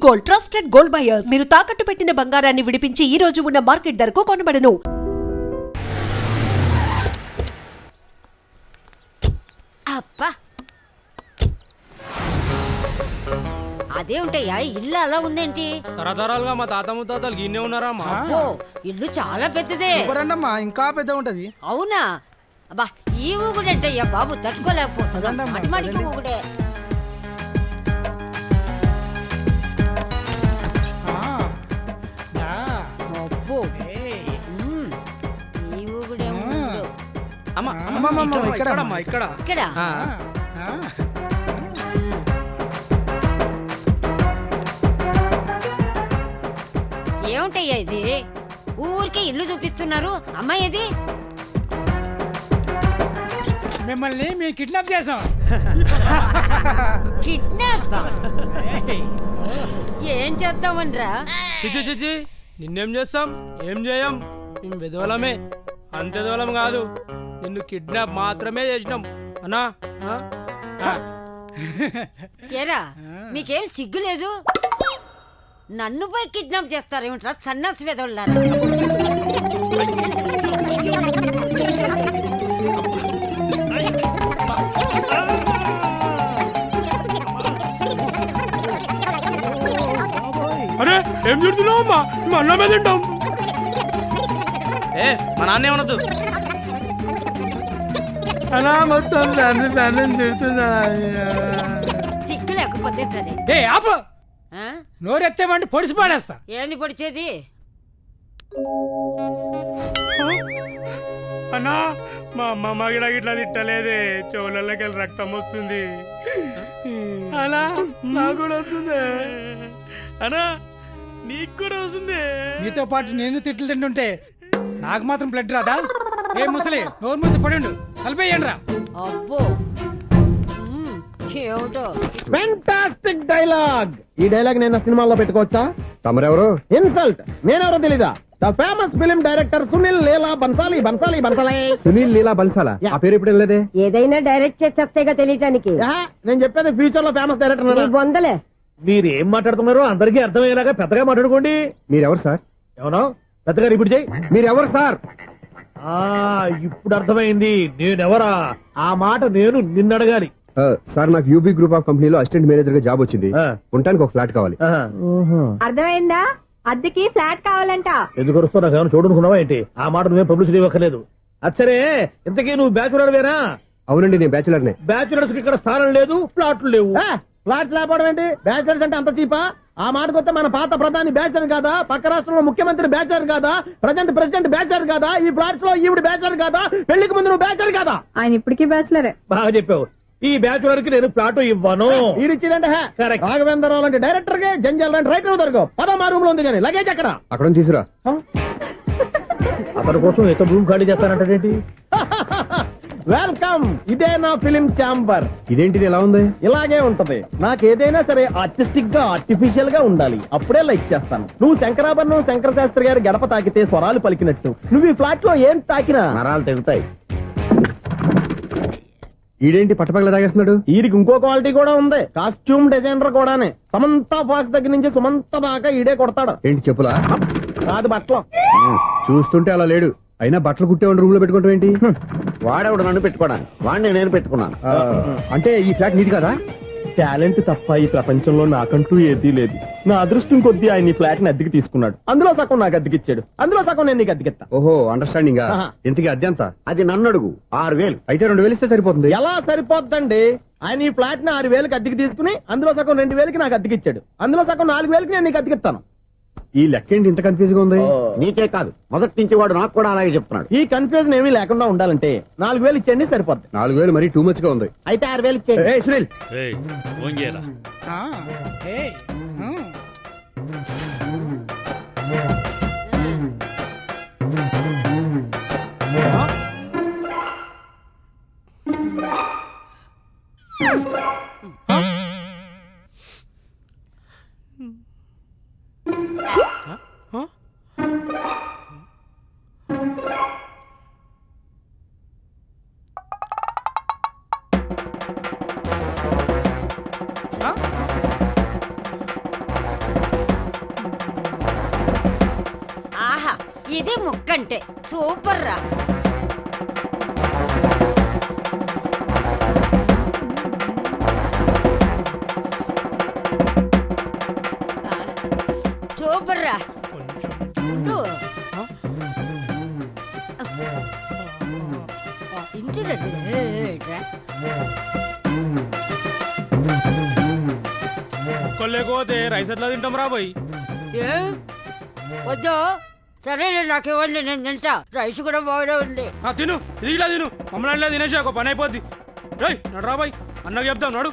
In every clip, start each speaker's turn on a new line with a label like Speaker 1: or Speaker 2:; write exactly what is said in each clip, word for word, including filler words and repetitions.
Speaker 1: Gold, trusted gold buyers. మీరు తాకట్టు పెట్టిన బంగారాన్ని విడిపించి ఈ రోజు ఉన్న మార్కెట్ ధరకు కొనబడను.
Speaker 2: అబ్బా అదే ఉంటాయా ఇల్లు అలా ఉందేంటి?
Speaker 3: తరతరాలుగా మా తాత ముత్తాతలు గిన్నె ఉన్నారా మా
Speaker 2: ఓ ఇల్లు చాలా పెద్దదే.
Speaker 4: రండమ్మా ఇంకా పెద్ద ఉంటది.
Speaker 2: అవునా? అబ్బా ఈ ఊగుడేంటయ్యా బాబు, తట్టుకోలేకపోతున్నా. మాటి మాటికి ఊగుడే. అబ్బో ఉమ్, ఈ ఊగుడే ఊగుడు.
Speaker 3: అమ్మ
Speaker 4: అమ్మమ్మ,
Speaker 3: ఇక్కడ
Speaker 4: ఇక్కడ
Speaker 3: ఇక్కడ అమ్మా, ఇక్కడ
Speaker 2: ఇక్కడ
Speaker 3: ఆ.
Speaker 2: ఏముంటయ్యా ఇది? ఊరికే ఇల్లు చూపిస్తున్నారు. అమ్మాయి ఇది
Speaker 4: మిమ్మల్ని మేము కిడ్నాప్ చేసాం.
Speaker 2: కిడ్నాప్. ఏం చేద్దామనరా?
Speaker 3: చిచి చిచి నిన్నేం చేస్తాం? ఏం చేయం, మేము విధవలమే. అంత విధవలం కాదు, నిన్ను కిడ్నాప్ మాత్రమే చేసినాం అన్నా. ఆ? ఆ.
Speaker 2: ఏరా మీకేం సిగ్గు లేదు? నన్ను పోయి కిడ్నాప్ చేస్తారేమిట్రా సన్నాసి వెదవులారా?
Speaker 3: అరే ఏం చూడుతున్నావు అమ్మా? మేము అన్నమే తింటాం. ఏ మా నాన్న ఏమనొద్దు.
Speaker 4: అలా మొత్తం ఫ్యామిలీ ఫ్యామిలీ తిడుతున్నా.
Speaker 2: సిగ్గు లేకపోతే సరే.
Speaker 4: ఏ ఆపు,
Speaker 2: ఆ?
Speaker 4: నోరెత్తేమంటే పొడిసి పాడేస్తా.
Speaker 2: ఏంది పొడిచేది?
Speaker 3: అన్నా మా అమ్మ గిడ గిట్లా తిట్టలేదే, చెవులకి వెళ్ళి రక్తం వస్తుంది.
Speaker 4: అలా నాకు కూడా వస్తుంది.
Speaker 3: అన్నా నీకు కూడా వస్తుంది.
Speaker 4: మీతో పాటు నేను తిట్లు తింటుంటే నాకు మాత్రం బ్లడ్ రాదా? ఏ ముసలి నోరు మూసి పడిండు, కలిపేయండి రా.
Speaker 2: అబ్బో ఉమ్, ఏమిటో
Speaker 5: ఫెంటాస్టిక్ డైలాగ్. ఈ డైలాగ్ నేను సినిమాల్లో పెట్టుకోవచ్చా?
Speaker 6: తమరెవరు?
Speaker 5: ఇన్సల్ట్. నేనెవరో తెలీదా? The famous film director Sunil Leela Bhansali. Bhansali Bhansali
Speaker 6: Sunil Leela బన్సాలా?
Speaker 5: యా.
Speaker 6: ఆ పేరు ఇప్పుడు లేదే.
Speaker 7: ఏదైనా డైరెక్ట్ చేసేస్తేగా తెలియటానికి.
Speaker 5: యా, నేను చెప్పేది ఫ్యూచర్ లో ఫేమస్ డైరెక్టర్.
Speaker 7: బొందలే
Speaker 5: మీరు ఏం మాట్లాడుతున్నారో అందరికీ అర్థమయ్యేలాగా పెద్దగా మాట్లాడుకోండి.
Speaker 6: మీరెవరు సార్?
Speaker 5: ఎవరో పెద్దగా రిపీట్ చేయి.
Speaker 6: మీరెవరు సార్?
Speaker 5: ఆ ఇప్పుడు అర్థమైంది నేనెవరా. ఆ మాట నేను నిన్ను అడగాలి.
Speaker 6: ఆ, సార్ నాకు యూబీ గ్రూప్ ఆఫ్ కంపెనీలో అసిస్టెంట్ మేనేజర్ గా జాబ్ వచ్చింది.
Speaker 5: ఆ.
Speaker 6: ఉండటానికి ఒక ఫ్లాట్ కావాలి.
Speaker 5: ఆహా.
Speaker 7: అర్థమైందా? అద్దెకి ఫ్లాట్ కావాలంట.
Speaker 5: ఎందుకు వస్తున్నా నాకు ఏమైనా చూడనుకున్నావా ఏంటి? ఆ మాట నువ్వే పబ్లిసిటీ ఇవ్వక్కర్లేదు. అచ్చరే ఇంతకీ నువ్వు బ్యాచులర్ వేరా?
Speaker 6: అవునండి, నేను బ్యాచులర్ నే.
Speaker 5: బ్యాచులర్స్ కి ఇక్కడ స్థానం లేదు, ఫ్లాట్లు లేవు. ఫ్లాట్స్ లేకపోవడం ఏంటి? బ్యాచులర్స్ అంటే అంత చీపా? ఆ మాటకొస్తే మన పాత ప్రధాని బ్యాచర్ కాదా? పక్క రాష్ట్రంలో ముఖ్యమంత్రి బ్యాచర్ కాదా? ప్రజెంట్ ప్రెసిడెంట్ బ్యాచర్ కాదా? ఈ ఫ్లాట్స్ లో ఈవిడ బ్యాచర్ కాదా? పెళ్లికి ముందు నువ్వు బ్యాచర్ కాదా?
Speaker 7: ఆయన ఇప్పటికీ బ్యాచులరే.
Speaker 5: బాగా చెప్పావు. ఈ బ్యాచులర్ కి నేను ఫ్లాట్ ఇవ్వను. ఈడిచ్చిందంటే రాఘవేంద్రరావు లాంటి డైరెక్టర్ కి జంజల్ లాంటి రైటర్ దొరకవు. పదమా రూమ్ లో ఉంది కానీ లగేజ్ అక్కడ.
Speaker 6: అక్కడ తీసుకురా.
Speaker 5: అతని కోసం ఎంత రూమ్ ఖాళీ చేస్తానంటే వెల్కమ్. ఇదే నా ఫిలిం ఛాంబర్.
Speaker 6: ఇదేంటిది ఎలా ఉంది?
Speaker 5: ఇలాగే ఉంటది. నాకేదైనా సరే ఆర్టిస్టిక్ గా ఆర్టిఫిషియల్ గా ఉండాలి, అప్పుడే లైక్ చేస్తాను. నువ్వు శంకరాభరణం శంకర శాస్త్రి గారి గడప తాకితే స్వరాలు పలికినట్టు నువ్వు ఈ ఫ్లాట్ లో ఏం తాకినా నరాలు తెగుతాయి.
Speaker 6: ఈడేంటి పట్టపగల తాగేస్తున్నాడు?
Speaker 5: వీడికి ఇంకో క్వాలిటీ కూడా ఉంది. కాస్ట్యూమ్ డిజైనర్ కూడానే. సమంత ఫాక్స్ దగ్గర నుంచి సుమంత దాకా ఈడే కొడతాడు.
Speaker 6: ఏంటి చెప్పులా?
Speaker 5: కాదు బట్టలు.
Speaker 6: చూస్తుంటే అలా లేడు. అయినా బట్టలు కుట్టేవాడి రూమ్ లో పెట్టుకుంటాం ఏంటి?
Speaker 5: వాడేవాడు నన్ను పెట్టుకోవడానికి, వాడిని నేను పెట్టుకున్నాను.
Speaker 6: ఆ, అంటే ఈ ఫ్లాట్ నీది కదా?
Speaker 5: టాలెంట్ తప్ప ఈ ప్రపంచంలో నాకంటూ ఏదీ లేదు. నా అదృష్టం కొద్దీ ఆయన ఈ ఫ్లాట్ ని అద్దెకి తీసుకున్నాడు. అందులో సగం నాకు అద్దెకిచ్చాడు, అందులో సగం నేను నీకు అద్దెకిస్తా.
Speaker 6: ఓహో, అండర్స్టాండింగ్.
Speaker 5: ఆహా.
Speaker 6: ఇంతకీ అద్దె ఎంత?
Speaker 5: అది నన్ను అడుగు. ఆరు వేలు.
Speaker 6: అయితే రెండు వేలు ఇస్తే సరిపోతుంది.
Speaker 5: ఎలా సరిపోద్దండి? ఆయన ఈ ఫ్లాట్ ని ఆరు వేలకి అద్దెకి తీసుకుని అందులో సగం రెండు వేలకి నాకు అద్దెకిచ్చాడు, అందులో సగం నాలుగు వేలకి నేను నీకు అద్దెకిస్తాను.
Speaker 6: ఈ లెక్క ఏంటి ఇంత కన్ఫ్యూజ్ గా ఉంది?
Speaker 5: నీకే కాదు, మొదటి నుంచి వాడు నాకు కూడా అలాగే చెప్తున్నాడు. ఈ కన్ఫ్యూజన్ ఏమీ లేకుండా ఉండాలంటే నాలుగు వేలు ఇచ్చేయండి, సరిపోద్ది.
Speaker 6: నాలుగు వేలు మరీ టూ మచ్ గా ఉంది.
Speaker 5: అయితే ఆరు వేలు ఇచ్చేయండి.
Speaker 6: ఏయ్, సునీల్.
Speaker 2: ఇది ముక్కంటే సూపర్ రా. సూపర్ రా. ఉండు. తింటున్నది ఏట్రా?
Speaker 3: ఒక్కరు లేకపోతే రైస్ ఎట్లా తింటాం రా పోయి.
Speaker 2: ఏం వద్దు, సరేలే నాకు ఇవ్వండి, నేను తింటా. రైస్ కూడా బాగానే ఉంది.
Speaker 3: ఆ, తిను, ఇది ఇలా తిను. మమ్మల్ని తినేసి ఒక పని అయిపోద్ది. రై నడు రా బాయ్, అన్నకు చెప్తాం నడు.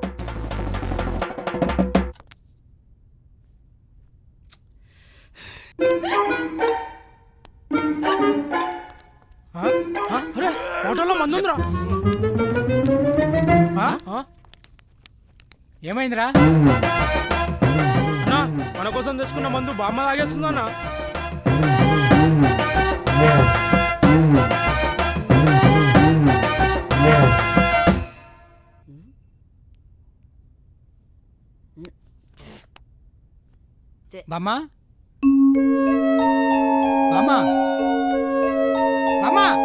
Speaker 3: ఆ? ఆ? అరే హోటల్లో మందు ఉందిరా.
Speaker 4: ఆ?
Speaker 3: ఆ?
Speaker 4: ఏమైందిరా?
Speaker 3: అన్నా, మన కోసం తెచ్చుకున్న మందు బామ్మ తాగేస్తుందా అన్న?
Speaker 4: బామ్మా బామ్మా బామ్మా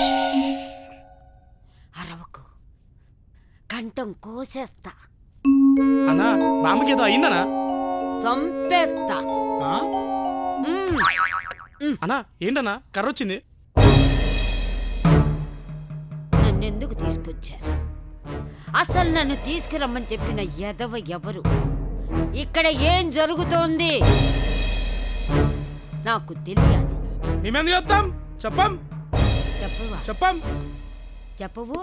Speaker 2: అరవకు, కంఠం కోసేస్తా,
Speaker 3: అన్నా బామ్మకి ఏదో అయిందనా?
Speaker 2: చంపేస్తా.
Speaker 4: ఆ?
Speaker 2: మ్మ్.
Speaker 3: అన్నా ఏంటన్నా కర్ర వచ్చింది?
Speaker 2: నన్నెందుకు తీసుకొచ్చారు? అసలు నన్ను తీసుకురమ్మని చెప్పిన ఎదవ ఎవరు? ఇక్కడ ఏం జరుగుతోంది నాకు తెలియాలి.
Speaker 3: మేమెందుకు చెప్తాం? చెప్పం
Speaker 2: చెప్పవా?
Speaker 3: చెప్పం
Speaker 2: చెప్పవు.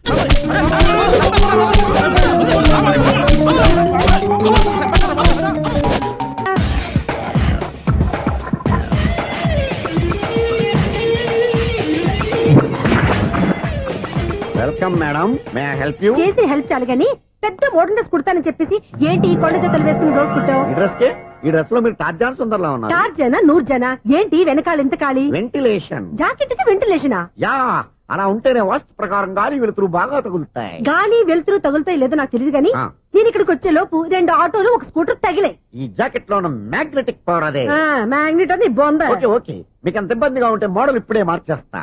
Speaker 5: Welcome madam, may I help you?
Speaker 7: చేసి హెల్ప్ చాలు గాని పెద్ద మోడల్ డ్రెస్ కుడతానని చెప్పేసి ఏంటి ఈ కొండ జతలు వేసుకుని రోజు కుట్టావు?
Speaker 5: ఈ డ్రెస్ కి ఈ డ్రెస్ లో మీరు టార్జాన్ సుందర్లా ఉన్నారు.
Speaker 7: చార్ జన నూరు జన ఏంటి వెనకాల ఎంత ఖాళీ?
Speaker 5: వెంటిలేషన్.
Speaker 7: జాకెట్ కి వెంటిలేషనా?
Speaker 5: యా, అలా ఉంటేనే వాస్తు ప్రకారం గాలి వెలుతురు బాగా తగులుతాయి.
Speaker 7: గాలి వెలుతురు తగులుతాయి లేదో నాకు తెలియదు గాని
Speaker 5: ఆ.
Speaker 7: నేను ఇక్కడికి వచ్చే లోపు రెండు ఆటోలు ఒక స్కూటర్ తగిలే.
Speaker 5: ఈ జాకెట్ లో ఉన్న మ్యాగ్నెటిక్ పవర్ అదే.
Speaker 7: మ్యాగ్నెట్ అని బొంద.
Speaker 5: ఓకే ఓకే, మీకు అంత ఇబ్బందిగా ఉంటే మోడల్ ఇప్పుడే మార్చేస్తా.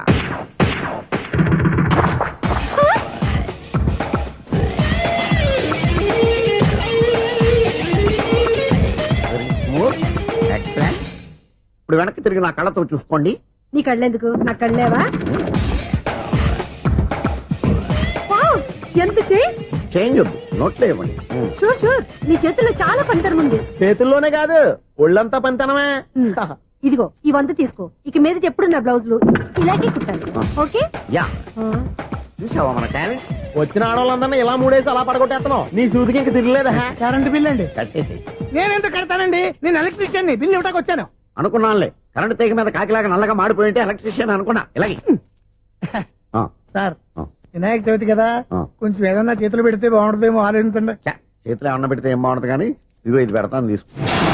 Speaker 5: Very smooth. Excellent. ఇప్పుడు వెనక్కి తిరిగి నా కళ్ళతో చూసుకోండి.
Speaker 7: నీ కళ్ళెందుకు? నా కళ్ళేవా? వావ్, ఎంత చేంజ్!
Speaker 5: చేంజ్ వద్దు, నోట్లో ఇవ్వండి.
Speaker 7: షూర్ షూర్, నీ చేతుల్లో చాలా పనితనం ఉంది.
Speaker 5: చేతుల్లోనే కాదు, ఒళ్ళంతా పంతనమే.
Speaker 7: ఉమ్, ఇదిగో ఈ వంద తీసుకో. ఇక మీద ఎప్పుడు నా బ్లౌజులు ఇలాగే కుట్టాలి. ఓకే?
Speaker 5: యా, చూసావా మన టాలెంట్? వచ్చిన ఆడవాళ్ళందరినీ ఇలా మూడేసి అలా పడగొట్టేస్తున్నావు. నీ సూదికి ఇంక తిరగలేదా?
Speaker 4: కరెంట్ బిల్ అండి.
Speaker 5: కట్టేసి.
Speaker 4: నేనెంత కడతానండి? నేను ఎలక్ట్రీషియన్ ని, బిల్ ఇవ్వడానికి వచ్చాను.
Speaker 5: అనుకున్నానులే, కరెంట్ తీగ మీద కాకిలాగా నల్లగా మాడిపోయింటే ఎలక్ట్రీషియన్ అనుకున్నా. ఇలాగే ఆ,
Speaker 4: సార్,
Speaker 5: ఆ.
Speaker 4: వినాయక చవితి కదా,
Speaker 5: ఆ.
Speaker 4: కొంచెం ఏదన్నా చేతులు పెడితే బాగుంటుందేమో ఆలోచించండి.
Speaker 5: ఛ, చేతిలో అన్న పెడితే ఏం బాగుంటుంది కానీ ఇదిగో ఇది పెడతాను, తీసుకో.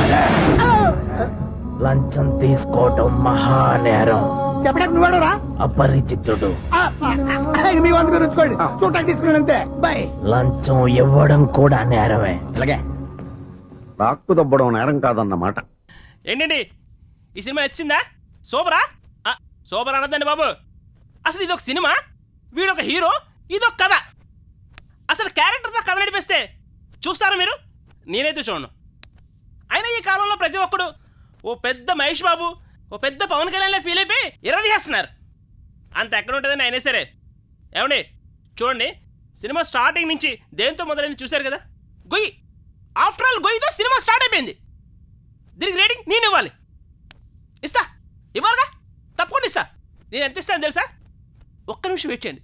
Speaker 8: లంచం తీసుకోవటం మహానేరం.
Speaker 4: చెప్పడానికి నువ్వాడరా?
Speaker 8: అపరిచితుడు.
Speaker 4: మీ వంద మీరు ఉంచుకోండి, చూడటానికి తీసుకున్నాను అంతే. బాయ్.
Speaker 8: లంచం ఇవ్వడం కూడా నేరమే.
Speaker 5: ఇలాగే రాక్కు దబ్బడం నేరం కాదన్నమాట.
Speaker 9: ఏంటండి ఈ సినిమా నచ్చిందా? సూపరా? ఆ, సూపర్ అనద్దండి బాబు. అసలు ఇదొక సినిమా, వీడొక హీరో, ఇదొక కథ. అసలు క్యారెక్టర్తో కథ నడిపిస్తే చూస్తారా మీరు? నేనైతే చూడను. అయినా ఈ కాలంలో ప్రతి ఒక్కడు ఓ పెద్ద మహేష్ బాబు, ఓ పెద్ద పవన్ కళ్యాణ్లో ఫీల్ అయిపోయి ఇరదీసేస్తున్నారు. అంత ఎక్కడ ఉంటుందని అయినా సరే. ఏమండి చూడండి, సినిమా స్టార్టింగ్ నుంచి దేంతో మొదలైంది చూశారు కదా? గొయ్యి. ఆఫ్టర్ ఆల్ గొయ్యితో సినిమా స్టార్ట్ అయిపోయింది. దీనికి రేటింగ్ నేను ఇవ్వాలి. ఇస్తా, ఇవ్వాలిగా, తప్పకుండా ఇస్తా. నేను ఎంత ఇస్తాను తెలుసా? ఒక్క నిమిషం వెయిట్ చేయండి.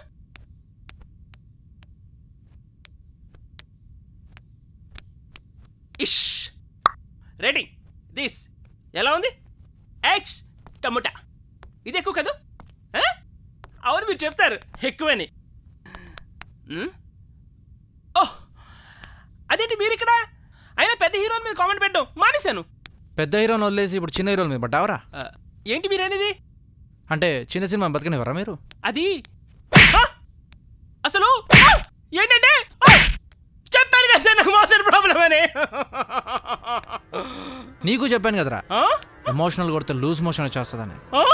Speaker 9: ఇష్ రేటింగ్ దిస్ ఎలా ఉంది? Ex tomato. ఇది ఎక్కువ కదా? అవును, మీరు చెప్తారు ఎక్కువని. ఓహ్, అదేంటి మీరు ఇక్కడ? అయినా పెద్ద హీరోల మీద కామెంట్ పెట్టడం మానేశాను.
Speaker 10: పెద్ద హీరోని వదిలేసి ఇప్పుడు చిన్న హీరోల మీద పడ్డావరా?
Speaker 9: ఏంటి మీరు అనేది?
Speaker 10: అంటే చిన్న సినిమా బతకనివ్వరా మీరు?
Speaker 9: అది అసలు ఏంటంటే చెప్పాను కదా సార్, నాకు మోషన్ ప్రాబ్లం అని.
Speaker 10: నీకు చెప్పాను కదరా. ఎమోషనల్ కొడితే లూజ్ మోషన్ వచ్చేస్తుందని.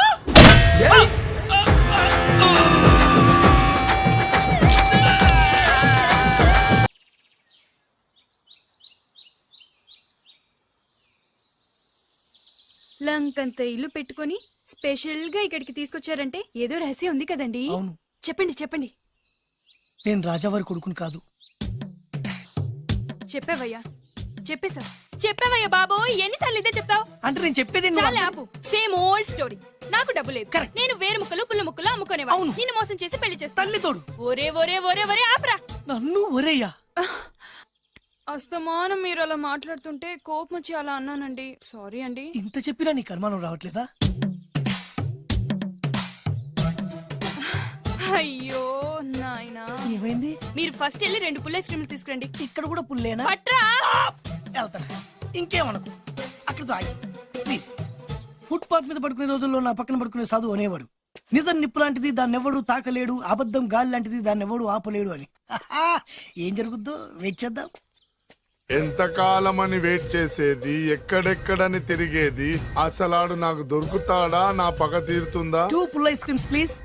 Speaker 11: లంకంత ఇల్లు పెట్టుకొని స్పెషల్ గా ఇక్కడికి తీసుకొచ్చారంటే ఏదో రహస్యం ఉంది కదండి.
Speaker 4: అవును.
Speaker 11: చెప్పండి చెప్పండి.
Speaker 4: నేను రాజావారి కొడుకుని కాదు.
Speaker 11: చెప్పావయ్యా చెప్పేశా చెప్పావయ్యా బాబు, ఎన్నిసార్లు ఇదే చెప్తావు?
Speaker 4: అంటే నేను చెప్పేది
Speaker 11: చాలా ఆపు. Same old story. నాకు డబ్బు లేదు, నేను వేరు ముక్కలు పుల్ల ముక్కలు అమ్ముకునేవా, నిన్ను మోసం చేసి పెళ్లి చేస్తా.
Speaker 4: తల్లి తోడు.
Speaker 11: ఒరే ఒరే ఒరే ఒరే ఆపరా.
Speaker 4: నన్ను ఒరేయ్యా.
Speaker 11: అస్తమానం మీరు అలా మాట్లాడుతుంటే కోపం వచ్చి అలా అన్నానండి. సారీ అండి.
Speaker 4: ఇంత చెప్పినా నీ కర్మానం రావట్లేదా?
Speaker 11: అయ్యో నాయనా,
Speaker 4: ఏమైంది?
Speaker 11: మీరు ఫస్ట్ వెళ్ళి రెండు పుల్ల ఐస్ క్రీమ్లు తీసుకురండి.
Speaker 4: ఇక్కడ కూడా పుల్లేనా?
Speaker 11: పట్రా.
Speaker 4: వెళ్తారా? ఇంకేమనుకో, అక్కడితో ఆగి ప్లీజ్. ఫుట్ పాత్ మీద పడుకునే రోజుల్లో నా పక్కన పడుకునే సాధువు అనేవాడు, నిజం నిప్పు లాంటిది దాన్ని ఎవడు తాకలేడు, అబద్ధం గాలి లాంటిది దాన్ని ఎవడు ఆపలేడు అని. ఏం జరుగుద్దో వెయిట్ చేద్దాం.
Speaker 12: ఎంతకాలం అని వెయిట్ చేసేది, ఎక్కడెక్కడని తిరిగేది, అసలాడు నాకు దొరుకుతాడా, నా పగ తీరుతుందా?
Speaker 4: Two full ice creams please.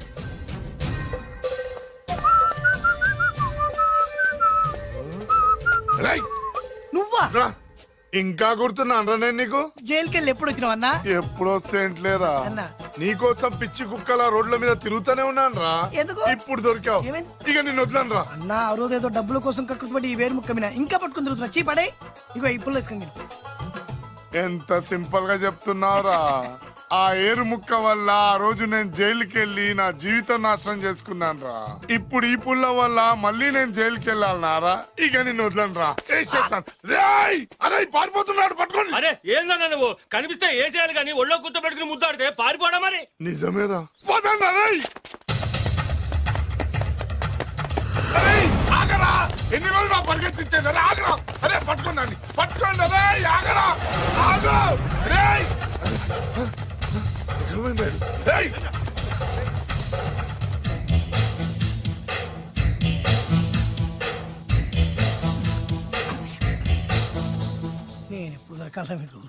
Speaker 4: నువ్వా?
Speaker 12: ఇంకా గుర్తున్నాను నేను నీకు.
Speaker 4: జైలుకి వెళ్ళి ఎప్పుడు వచ్చినావు అన్నా?
Speaker 12: ఎప్పుడు వస్తేంట్లేరా,
Speaker 4: అన్నా
Speaker 12: నీకోసం పిచ్చి కుక్కల రోడ్ల మీద తిరుగుతూనే ఉన్నాను రా.
Speaker 4: ఎందుకు?
Speaker 12: ఇప్పుడు దొరికావు, ఇక నిన్ను వదలను రా.
Speaker 4: అన్నా ఆ రోజు ఏదో డబ్బుల కోసం కక్కుపడి ఈ వేరు ముక్క మీద ఇంకా పట్టుకుని తిరుగుతున్నా. చీ పడే. ఇగో ఇప్పుడు వేసుకుని
Speaker 12: ఎంత సింపుల్ గా చెప్తున్నావురా. ఆ ఏరు ముక్క వల్ల ఆ రోజు నేను జైలుకి వెళ్ళి నా జీవితం నాశనం చేసుకున్నాను రా. ఇప్పుడు ఈ పుల్ల వల్ల మళ్ళీ నేను జైలుకి వెళ్ళాలన్నారా, ఇక నిన్ను వదలను రా. అరే పారిపోతున్నాడు, పట్టుకోండి.
Speaker 9: అరే ఏందన్నా నువ్వు, కనిపిస్తే ఏసేయాలి కానీ ఒళ్ళో కూర్చోబెట్టుకుని ముద్దాడితే పారిపోవడం మరి.
Speaker 12: నిజమేరా, వదండి. అరే ఆగరా, ఎన్ని రోజులు నా పరిగెత్తించేది. అరే ఆగరా, అరే పట్టుకోండి, పట్టుకోండి. అరే ఆగరా, ఆగు. రే
Speaker 4: నేను ఎప్పుడు దొరకాల మీకు.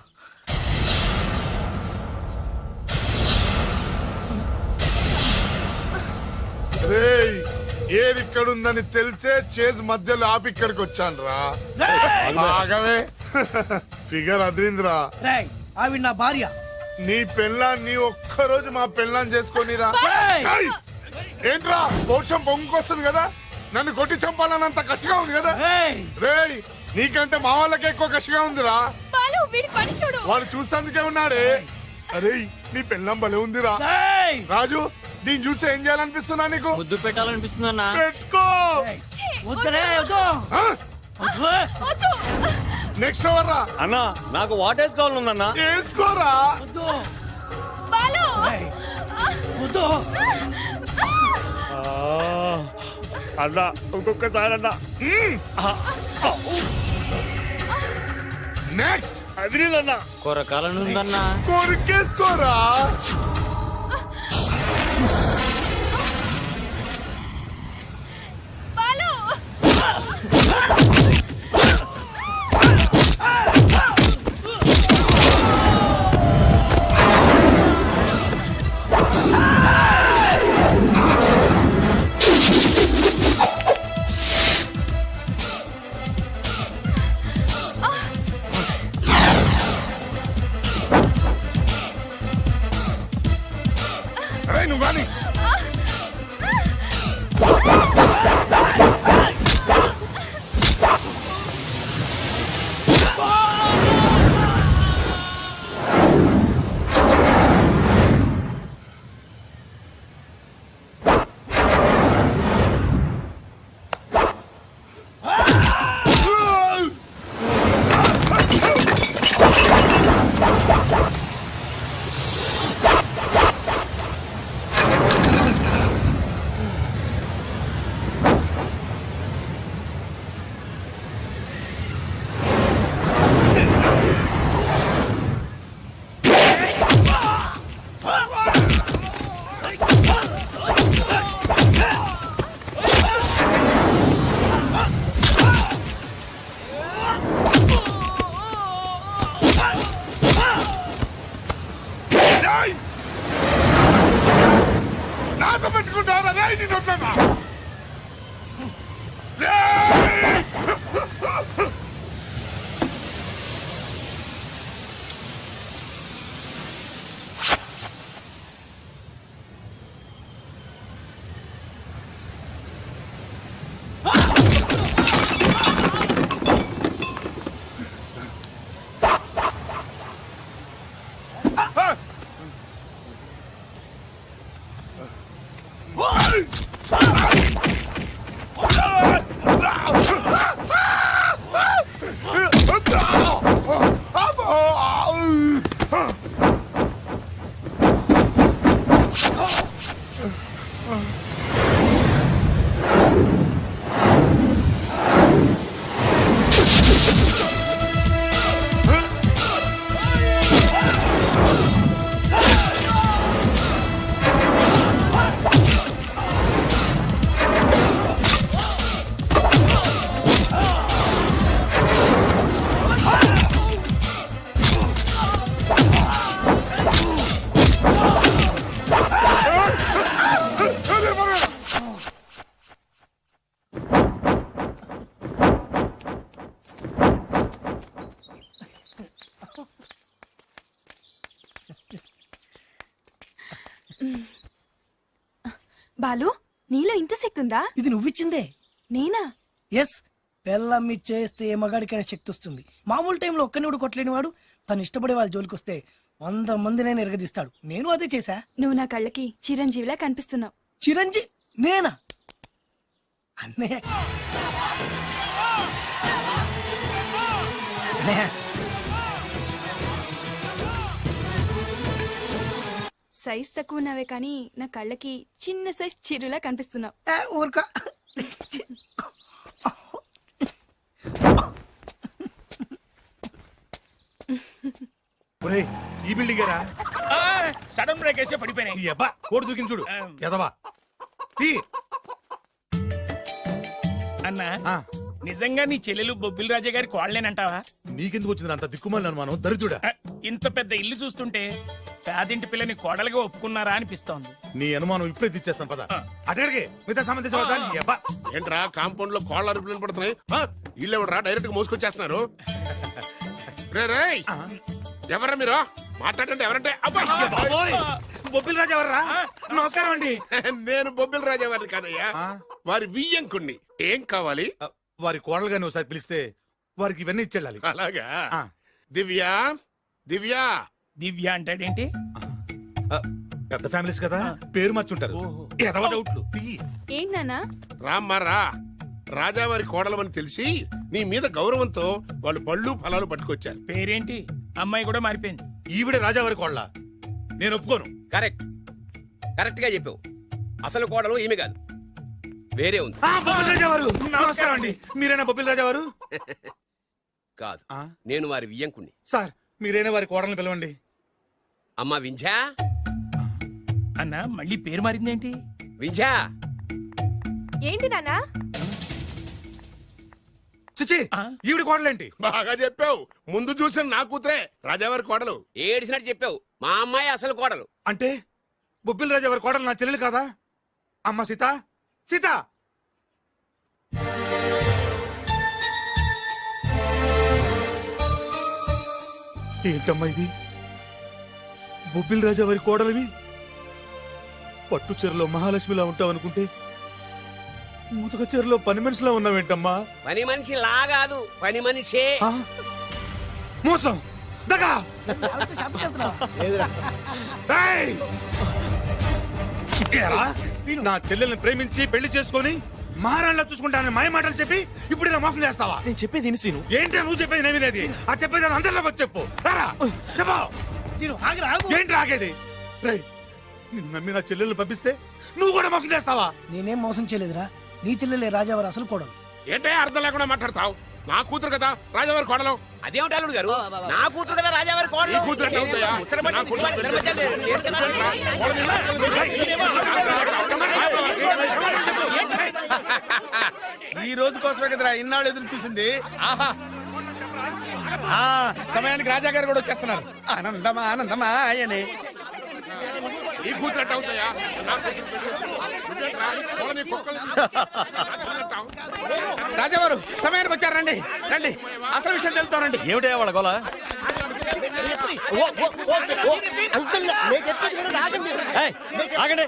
Speaker 12: రేయ్ ఏరిక్కడుందని తెలిసే చేజ్ మధ్యలో ఆపి ఇక్కడికి వచ్చాను రా. ఆగవే, ఫిగర్ అదిరిందిరా.
Speaker 4: రేయ్ ఆవిడ నా భార్య.
Speaker 12: నీ పెళ్ళాన్ని ఒక్కరోజు మా పెళ్ళాన్ని చేసుకొనిరా. ఏంట్రా పౌరుషం పొంగుకొస్తుంది కదా, నన్ను కొట్టి చంపాలన్నంత కసిగా ఉంది కదా. రేయ్ నీకంటే మా వాళ్ళకి ఎక్కువ కసిగా ఉందిరా. వాడు చూసేందుకే ఉన్నాడే. అరే నీ పెళ్ళం భలే ఉందిరా. రాజు దీన్ని చూసి ఏం చేయాలనిపిస్తున్నా నీకు?
Speaker 9: ముద్దు పెట్టాలనిపిస్తుందన్నా.
Speaker 12: పెట్టుకో. నెక్స్ట్ ఎవర్రా?
Speaker 9: అన్నా నాకు వాట్ వేసుకోవాలన్నా.
Speaker 12: వేసుకోరా.
Speaker 9: అన్నా ఇంకొకసారి అన్నా.
Speaker 12: నెక్స్ట్
Speaker 9: అదిరిందన్నా. కొరకాలని ఉందన్నా.
Speaker 12: కొరికేసుకోరా. అరే నువ్వు కానీ రేయ్! నాతో పెట్టుకుంటారా రేయ్ నిన్ను వదలనా? రేయ్!
Speaker 11: బాలు నీలో ఇంత శక్తి ఉందా?
Speaker 4: ఇది నువ్విచ్చిందే.
Speaker 11: నేనా?
Speaker 4: ఎస్, పెళ్ళమ్మి చేస్తే ఏ మగాడికైనా శక్తి వస్తుంది. మామూలు టైంలో ఒక్కని కూడా కొట్టలేని వాడు తను ఇష్టపడే వాళ్ళ జోలికి వస్తే వంద మందినైనా ఎరగదీస్తాడు. నేను అదే చేశా.
Speaker 11: నువ్వు నా కళ్ళకి చిరంజీవిలా కనిపిస్తున్నావు.
Speaker 4: చిరంజీ నేనా? అన్నయ్య అన్నయ్య,
Speaker 11: సైజ్ తక్కువ ఉన్నావే కానీ నా కళ్ళకి చిన్న సైజ్ చిరులా కనిపిస్తున్నావు.
Speaker 4: ఏ, ఊరుకో.
Speaker 12: ఒరేయ్, ఈ బిల్డింగ్ రా.
Speaker 9: సడన్ బ్రేక్ వేసే పడిపోయినాయి.
Speaker 12: ఈ అబ్బా కోడి దూకింది చూడు. ఎదవా
Speaker 9: అన్నా, నిజంగా నీ చెల్లెలు బొబ్బిల్ రాజా గారి కోడలేనంటావా?
Speaker 12: నీకెందుకు వచ్చింది అంత దిక్కుమాలి అనుమానం? దరిద్రుడా,
Speaker 9: ఇంత పెద్ద ఇల్లు చూస్తుంటే పేదింటి పిల్లని కోడలుగా ఒప్పుకున్నారా అనిపిస్తోంది.
Speaker 12: నీ అనుమానం ఇప్పుడే తెచ్చేస్తాను పద. అటడిగే మిగతా సంబంధించిన
Speaker 13: ఏంట్రా కాంపౌండ్ లో కోళ్ళ అరుపులు పడుతున్నాయి? ఇల్లు ఎవడరా డైరెక్ట్ గా మోసుకొచ్చేస్తున్నారు? రే రేయ్, ఎవరా మీరు? మాట్లాడండి. ఎవరంటే?
Speaker 12: బొబ్బిల్ రాజా ఎవర్రా? నమస్కారం అండి.
Speaker 13: నేను బొబ్బిల్ రాజా వారిని కాదయ్యా, వారి వియ్యంకుణ్ణి. ఏం కావాలి?
Speaker 12: వారి కోడలుగా నువ్వు ఒకసారి పిలిస్తే వారికి ఇవన్నీ ఇచ్చేళ్ళాలి.
Speaker 13: అలాగా? దివ్య, దివ్య.
Speaker 9: దివ్య అంటాడేంటి?
Speaker 12: పెద్ద ఫ్యామిలీస్ కదా, పేరు మార్చుంటారు. ఎదవ డౌట్లు.
Speaker 11: ఏంటి నాన్నా?
Speaker 13: రామ్మా రా. రాజావారి కోడలమని తెలిసి నీ మీద గౌరవంతో వాళ్ళు పళ్ళు ఫలాలు పట్టుకొచ్చారు.
Speaker 9: పేరేంటి? అమ్మాయి కూడా మారిపోయింది.
Speaker 12: ఈవిడే రాజావారి కోడల? నేను ఒప్పుకోను.
Speaker 14: కరెక్ట్ కరెక్ట్ గా చెప్పావు. అసలు కోడలు ఈమె కాదు, వేరే ఉంది.
Speaker 12: నమస్కారం అండి. మీరేనా బొబ్బిల్ రాజా వారు?
Speaker 14: కాదు, నేను వారి వియ్యంకుణ్ణి.
Speaker 12: సార్, మీరైనా వారి కోడల్ని పిలవండి.
Speaker 14: అమ్మా వింధ్యా.
Speaker 9: అన్నా, మళ్ళీ పేరు మారిందేంటి?
Speaker 14: వింధ్యా.
Speaker 11: ఏంటి నాన్నా?
Speaker 12: చిచి, ఈవిడ కోడలేంటి?
Speaker 13: బాగా చెప్పావు. ముందు చూసిన నా కూతురే రాజావారి కోడలు.
Speaker 14: ఏడిసినట్టు చెప్పావు. మా అమ్మాయి అసలు కోడలు.
Speaker 12: అంటే బొబ్బిల్ రాజా వారి కోడలు నా చెల్లెలు కాదా? అమ్మ సీత, సీత. ఏంటమ్మా ఇది? బొబ్బిల్ రాజా వారి కోడలివి పట్టు చీరలో మహాలక్ష్మిలా ఉంటావనుకుంటే ముతక చీరలో పని మనిషిలా ఉన్నావేంటమ్మా?
Speaker 14: పని మనిషి లా కాదు, పని మనిషే.
Speaker 12: మోసం, దగా. రేయ్! ఏరా, నా చెల్లెల్ని ప్రేమించి పెళ్లి చేసుకొని మహారాణిలా చూసుకుంటానని మాయ మాటలు చెప్పి ఇప్పుడు నా మోసం చేస్తావా?
Speaker 10: నేను చెప్పేది విను సీను.
Speaker 12: ఏంటి నువ్వు చెప్పేది నేను వినేది? ఆ చెప్పేది అందరిలోకి వచ్చి చెప్పు. రారా, చెప్పు. ఏంటి రాగేది? రేయ్, నిన్ను నమ్మి నా చెల్లెల్ని పంపిస్తే నువ్వు కూడా మోసం చేస్తావా?
Speaker 4: నేనేం మోసం చేయలేదురా. నీ చెల్లెలే రాజావారు అసలు కోడలు.
Speaker 13: ఏంటే అర్థం లేకుండా మాట్లాడతావు? నా కూతురు కదా రాజావారి కోడలు.
Speaker 14: అదేమిటి అల్లుడు గారు? నా కూతురు కదా రాజావారి
Speaker 13: నీ
Speaker 14: కోడలు.
Speaker 13: కూతురు ఎట్లా అవుతాయా? నా కూతురు
Speaker 5: ఈ రోజు కోసమే కదరా ఇన్నాళ్ళు ఎదురు చూసింది. ఆహా, సమయానికి రాజా గారు కూడా వచ్చేస్తున్నారు. ఆనందమా ఆనందమా ఆయనే.
Speaker 13: నీ కూతురట్టు అవుతాయా నా కూతురు పెళ్లి చేసుకో. నువ్వేంట్రా? వాళ్ళ నీ కుక్కల్ని తీసుకొచ్చి-
Speaker 14: రాజావారు సమయానికి వచ్చారు రండి రండి అసలు విషయం తెలుస్తానండి.
Speaker 15: ఏమిటయ్యా వాళ్ళ గోల? ఏయ్, ఆగండి.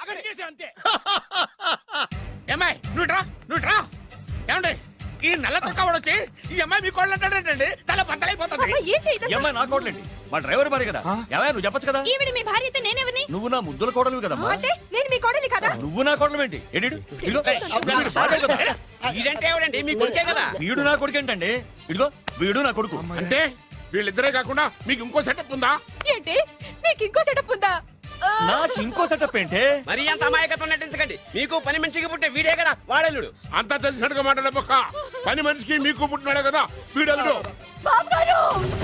Speaker 14: ఏమ్మాయి నువ్వు రా నువ్వు రా ఏమండి ఈ నల్ల తొక్కవాడు వచ్చి ఈ అమ్మాయి మీ కోళ్ళు అంటాడంటండి తల బద్దలైపోతుంది.
Speaker 15: ఈ అమ్మాయి నా కోడలేంటి? మా డ్రైవర్ భార్య కదా. ఏమయ్య నువ్వు చెప్పొచ్చు కదా.
Speaker 11: ఈవిడ మీ భార్య అయితే నేనెవరిని?
Speaker 15: నువ్వు నా ముద్దుల కోడలు కదమ్మా.
Speaker 7: అంటే నేను మీ కోడలి కదా?
Speaker 15: నువ్వు నా కోడలు ఏంటి? ఎడిడు ఇదిగో వీడు భార్య కదా.
Speaker 14: ఇదంటే ఎవడండి మీ కొడుకే కదా.
Speaker 15: వీడు నా కొడుకు ఏంటండి? ఇదిగో వీడు నా కొడుకు.
Speaker 13: అంటే వీళ్ళిద్దరే కాకుండా మీకు ఇంకో సెటప్ ఉందా?
Speaker 11: ఏంటి మీకు ఇంకో సెటప్ ఉందా?
Speaker 15: నాకు ఇంకో సెటప్ ఏంటి?
Speaker 14: మరి అంత అమాయకత్వం నటించకండి. మీకు పని మనిషికి పుట్టే వీడే కదా వాడల్లుడు.
Speaker 13: అంతా తెలిసినట్టుగా మాట్లాడబోక పని మనిషికి మీకు పుట్టినాడే కదా వీడల్లుడు.
Speaker 11: బాబుగారు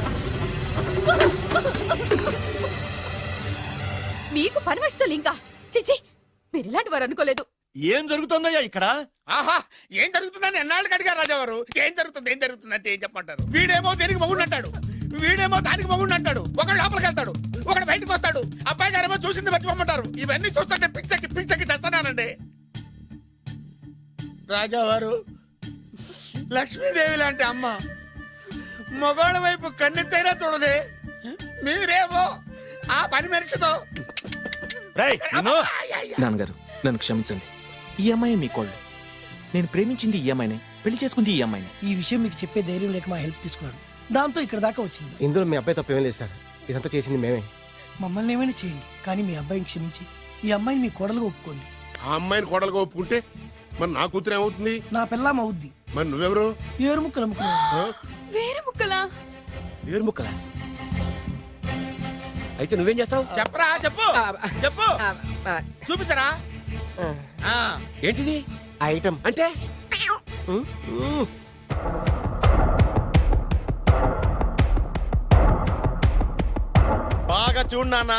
Speaker 11: మీకు పని మనిషితో ఇంకా చిచి మీరు ఇలాంటి వారు అనుకోలేదు.
Speaker 15: ఏం జరుగుతుందయ్యా ఇక్కడ?
Speaker 14: ఆహా ఏం జరుగుతుందని ఎన్నాళ్ళకి అడిగారు రాజావారు. ఏం జరుగుతుంది ఏం జరుగుతుంది అంటే ఏం చెప్పంటారు. వీడేమో దేనికి మగుడు అంటాడు, వీడేమో దానికి మగుడు అంటాడు. ఒకడు లోపలికి వెళ్తాడు, ఒకడు బయటకు వస్తాడు. అబ్బాయి గారేమో చూసింది మర్చిపోమంటారు. ఇవన్నీ చూస్తుంటే పిచ్చకి పిచ్చకి చేస్తానండి. రాజావారు లక్ష్మీదేవి లాంటి అమ్మ మగోళ్ళ వైపు కన్నెత్తైనా చూడదే. మీరేమో ఆ పని మనిషితో.
Speaker 10: నాన్నగారు నన్ను క్షమించండి. ఈ అమ్మాయి మీ కోళ్ళు. నేను ప్రేమించింది ఈ అమ్మాయిని, పెళ్లి చేసుకుంది ఈ అమ్మాయిని.
Speaker 4: ఈ విషయం మీకు చెప్పే ధైర్యం లేక మా హెల్ప్ తీసుకున్నాడు. దాంతో ఇక్కడ దాకా వచ్చింది.
Speaker 5: ఇందులో మీ అబ్బాయి తప్పేం లేదు సార్. ఇదంతా చేసింది మేమే.
Speaker 4: మమ్మల్ని ఏమైనా చేయండి, కానీ మీ అబ్బాయిని క్షమించి ఈ అమ్మాయిని మీ కోడలుగా ఒప్పుకోండి.
Speaker 13: ఆ అమ్మాయిని కోడలుగా ఒప్పుకుంటే మరి నా కూతురు ఏమవుతుంది?
Speaker 4: నా పిల్లం అవుద్ది.
Speaker 13: మరి నువ్వెవరు?
Speaker 4: ఏరు ముక్కలు అమ్ముకున్నావు.
Speaker 11: వేరే ముక్కలా?
Speaker 14: వేరు ముక్కలా? అయితే నువ్వేం చేస్తావు? చెప్పరా చెప్పు చెప్పు చూపించరా. ఏంటిది
Speaker 5: ఐటమ్
Speaker 14: అంటే?
Speaker 5: బాగా చూడు నాన్న.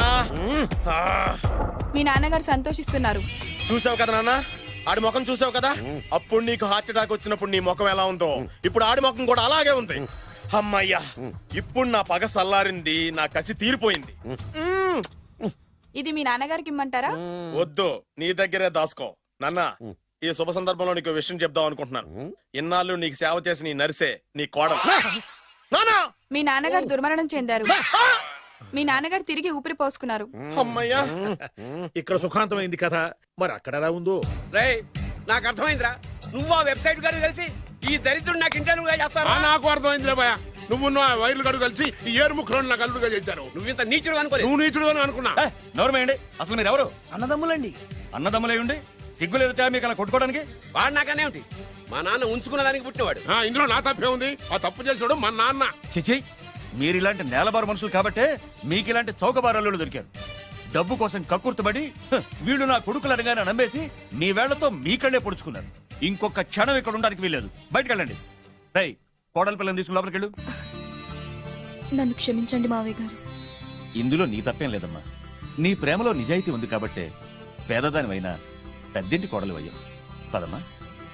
Speaker 11: మీ నాన్నగారు సంతోషిస్తున్నారు.
Speaker 5: చూసావు కదా నాన్న, ఆడి ముఖం చూసావు కదా. అప్పుడు నీకు హార్ట్ అటాక్ వచ్చినప్పుడు నీ ముఖం ఎలా ఉందో ఇప్పుడు ఆడి ముఖం కూడా అలాగే ఉంది. అమ్మయ్యా, ఇప్పుడు నా పగ సల్లారింది, నా కసి తీరిపోయింది.
Speaker 11: ఇది మీ నాన్నగారికి ఇమ్మంటారా?
Speaker 5: వద్దు, నీ దగ్గరే దాసుకో. నాన్న, ఈ శుభ సందర్భంలో నీకు విషయం చెప్దాం అనుకుంటున్నాను. ఇన్నాళ్ళు నీకు సేవ చేసి నీ నర్సే నీ కోడలు.
Speaker 11: మీ నాన్నగారు దుర్మరణం చెందారు. మీ నాన్నగారు తిరిగి ఊపిరి పోసుకున్నారు.
Speaker 5: అమ్మయ్యా,
Speaker 15: ఇక్కడ సుఖాంతమైంది కదా, మరి అక్కడ ఎలా ఉందో.
Speaker 14: రేయ్ నాకు అర్థమైందిరా. నువ్వు ఆ వెబ్సైట్ గారు కలిసి ఈ దరిద్రుడు నాకు ఇంటర్వ్యూగా చేస్తారా?
Speaker 13: నాకు అర్థమైందిలే భయ. నువ్వు వైర్లు గడు కలిసి ఈ ఏరు ముక్కలు నాకు అల్లుడుగా చేశారు.
Speaker 14: నువ్వు ఇంత నీచుడు అనుకోలేదు.
Speaker 13: నువ్వు నీచుడు అని అనుకున్నా.
Speaker 15: నోరమేయండి. అసలు మీరు ఎవరు?
Speaker 4: అన్నదమ్ములండి.
Speaker 15: అన్నదమ్ములే ఉండి సిగ్గులేదుట మీకు అలా కొట్టుకోవడానికి?
Speaker 14: వాడు నాకనే ఉంటి. మా నాన్న ఉంచుకున్న దానికి పుట్టినవాడు.
Speaker 13: ఇందులో నా తప్పే ఉంది. ఆ తప్పు చేసినాడు మా నాన్న.
Speaker 15: చిచి, మీరు ఇలాంటి నేలబారు మనుషులు కాబట్టే మీకు ఇలాంటి చౌకబారల్లులు దొరికారు. డబ్బు కోసం కక్కుర్తుబడి హ, వీళ్ళు నా కొడుకులు అనగానే నమ్మేసి మీ వేళ్లతో మీ కళ్ళే పొడుచుకున్నారు. ఇంకొక క్షణం ఇక్కడ ఉండడానికి వీల్లేదు. బయటకు వెళ్ళండి. రై కోడల పిల్లని తీసుకుని లోపలికి వెళ్ళు.
Speaker 11: నన్ను క్షమించండి మావయ్య గారు.
Speaker 15: ఇందులో నీ తప్పేం లేదమ్మా. నీ ప్రేమలో నిజాయితీ ఉంది కాబట్టే పేదదానివైనా పెద్దింటి కోడలు అయ్యావు. పదమ్మా.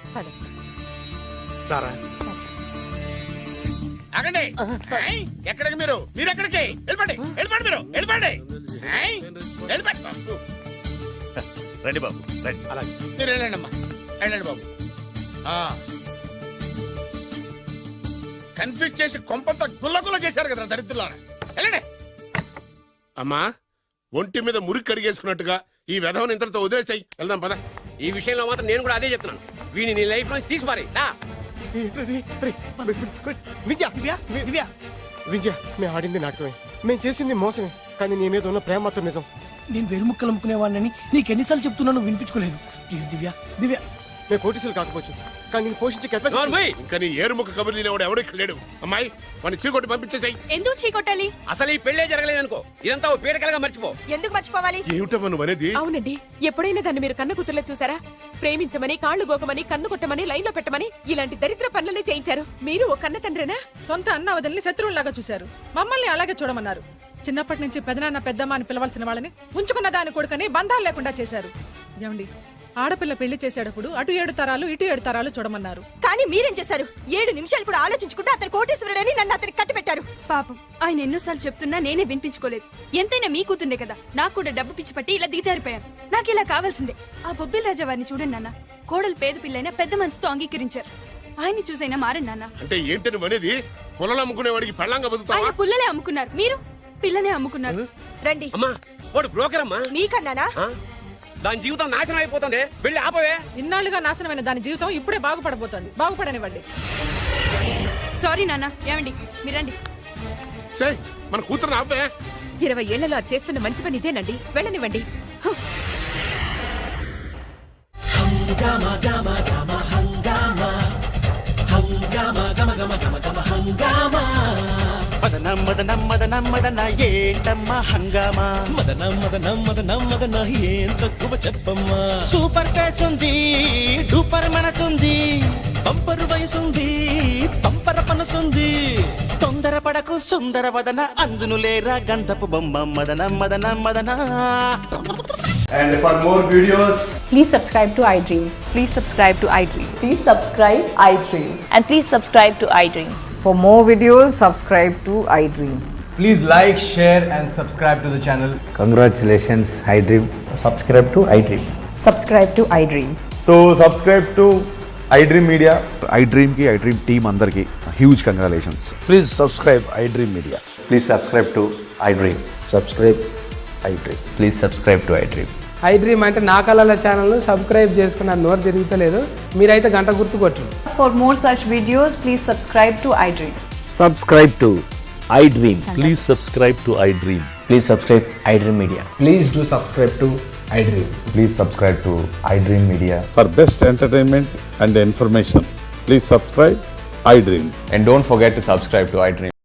Speaker 14: ఆగండి. ఏయ్, ఎక్కడికి మీరు మీరు ఎక్కడికి వెళ్ళిపోండి వెళ్ళిపోండి మీరు వెళ్ళిపోండి. ఏయ్, వెళ్ళిపోండి బాబు.
Speaker 15: రండి బాబు రండి.
Speaker 14: అలాగే మీరు వెళ్ళండి అమ్మా వెళ్ళండి బాబు. కన్ఫ్యూజ్ చేసి కొంపంతా గుల్లగుల్ల చేశారు కదా దరిద్రులారా. వెళ్ళండి.
Speaker 13: అమ్మా, ఒంటి మీద మురికి కడిగేసుకున్నట్టుగా ఈ వెధవని ఇంతటితో వదిలేసాయి. వెళ్దాం పద.
Speaker 14: ఈ విషయంలో మాత్రం నేను కూడా అదే చెప్తున్నాను. వీడిని నీ లైఫ్ నుంచి తీసిపారి.
Speaker 5: విద్య దివ్య విద్య, మేము ఆడింది నాటకమే, మేము చేసింది మోసమే, కానీ నీ మీద ఉన్న ప్రేమ మాత్రం నిజం.
Speaker 4: నేను వేరు ముక్కలు అమ్ముకునేవాడిని నీకు ఎన్నిసార్లు చెప్తున్నాను వినిపించుకోలేదు. ప్లీజ్ దివ్య దివ్య.
Speaker 5: మేము కోటీసులు కాకపోవచ్చు, కానీ నేను పోషించే కెపాసిటీ.
Speaker 13: ఇంకా నీ ఏరుముఖ కబుర్లు లేవాడు ఎవడు ఇక్కడ లేడు. అమ్మాయి వాడిని చీకొట్టి పంపించేసాయి.
Speaker 11: ఎందుకు చీకొట్టాలి?
Speaker 14: అసలు ఈ పెళ్లే జరగలేదనుకో, ఇదంతా ఓ పీడకలుగా మర్చిపో.
Speaker 11: ఎందుకు మర్చిపోవాలి?
Speaker 13: ఏమిటమ్మా నువ్వు అనేది?
Speaker 11: అవునండి, ఎప్పుడైనా దాన్ని మీరు కన్న కూతుర్లో చూసారా? ప్రేమించమని, కాళ్లు గోకమని, కన్ను కొట్టమని, లైన్ లో పెట్టమని ఇలాంటి దరిద్ర పనులనే చేయించారు. మీరు ఓ కన్న తండ్రేనా?
Speaker 16: సొంత అన్న వదిలిని శత్రువులాగా చూశారు. మమ్మల్ని అలాగే చూడమన్నారు. చిన్నప్పటి నుంచి పెదనాన్న పెద్దమ్మ అని పిలవాల్సిన వాళ్ళని ఉంచుకున్న దాని కొడుకని బంధాలు లేకుండా చేశారు. ఏమండి, ఆడపిల్ల పెళ్లి చేసేటప్పుడు అటు ఏడు తరాలు ఇటు ఏడు తరాలు చూడమన్నారు.
Speaker 11: కానీ మీరేం చేశారు? ఏడు నిమిషాలు కూడా ఆలోచించుకుంటే అతను కోటేశ్వరుడని నన్ను అతనికి కట్టిపెట్టారు.
Speaker 17: పాపం ఆయన ఎన్నోసార్లు చెప్తున్నా నేనే వినిపించుకోలేదు. ఎంతైనా మీ కూతుండే కదా, నాకు కూడా డబ్బు పిచ్చి పట్టి ఇలా దిగజారిపోయాను. నాకు ఇలా కావాల్సిందే. ఆ బొబ్బిల్ రాజా వారిని చూడండి నాన్న, కోడలు పేద పిల్లైనా పెద్ద మనసుతో అంగీకరించారు. ఆయన్ని చూసైనా మారండి నాన్న.
Speaker 13: అంటే ఏంటి నువ్వు అనేది? పొలాలు అమ్ముకునే వాడికి పెళ్ళంగా బతుకుతావా?
Speaker 17: ఆయన పుల్లలే అమ్ముకున్నారు, మీరు పిల్లనే అమ్ముకున్నారు.
Speaker 11: రండి.
Speaker 14: అమ్మా వాడు బ్రోకర్ అమ్మా.
Speaker 11: మీకన్నానా?
Speaker 14: దాని జీవితం నాశనం అయిపోతుంది. వెళ్ళి ఆపవే.
Speaker 16: ఇన్నాళ్లుగా నాశనమైన దాని జీవితం ఇప్పుడే బాగుపడబోతోంది. బాగుపడనివ్వండి.
Speaker 17: సారీ నాన్న. ఏమండి మీరండి.
Speaker 13: మన కూతురు ఆపే.
Speaker 11: ఇరవై ఏళ్లలో అది చేస్తున్న మంచి పని ఇదేనండి. వెళ్ళనివ్వండి.
Speaker 14: మదన మదన మదన మదన ఏంటమ్మా హంగామా? మదన మదన మదన మదన ఏం తక్కువ చెప్పమ్మా? సూపర్ ఫేస్ ఉంది, డూపర్ మనసుంది, పంపరు వయసుంది, పంపర పనసుంది. తొందర పడకు సుందర వదన, అందును లేరా గంధపు బొమ్మ. మదన మదన మదన.
Speaker 18: And for more videos,
Speaker 19: please subscribe to iDream. Please subscribe to iDream. Please subscribe iDream. And please subscribe to iDream. For more videos, subscribe to iDream.
Speaker 18: please like, share and subscribe to the channel.
Speaker 20: Congratulations, iDream.
Speaker 18: Subscribe to iDream.
Speaker 19: Subscribe to iDream.
Speaker 18: So subscribe to iDream Media. iDream ki iDream team andarki huge congratulations.
Speaker 20: Please subscribe iDream Media.
Speaker 18: Please subscribe to iDream.
Speaker 20: Subscribe iDream.
Speaker 18: Please subscribe to iDream.
Speaker 3: iDream అంటే నా కళల channel subscribe చేసుకున్న నోరు తిరుగుతలేదు. మీరైతే గంట గుర్తు కొట్టండి.
Speaker 19: For more such videos, please subscribe to iDream.
Speaker 8: Subscribe to iDream. Please subscribe to iDream. Please subscribe iDream Media.
Speaker 18: Please do subscribe to iDream. Please subscribe to iDream Media.
Speaker 12: For best entertainment and information, please subscribe iDream.
Speaker 18: And don't forget to subscribe to iDream.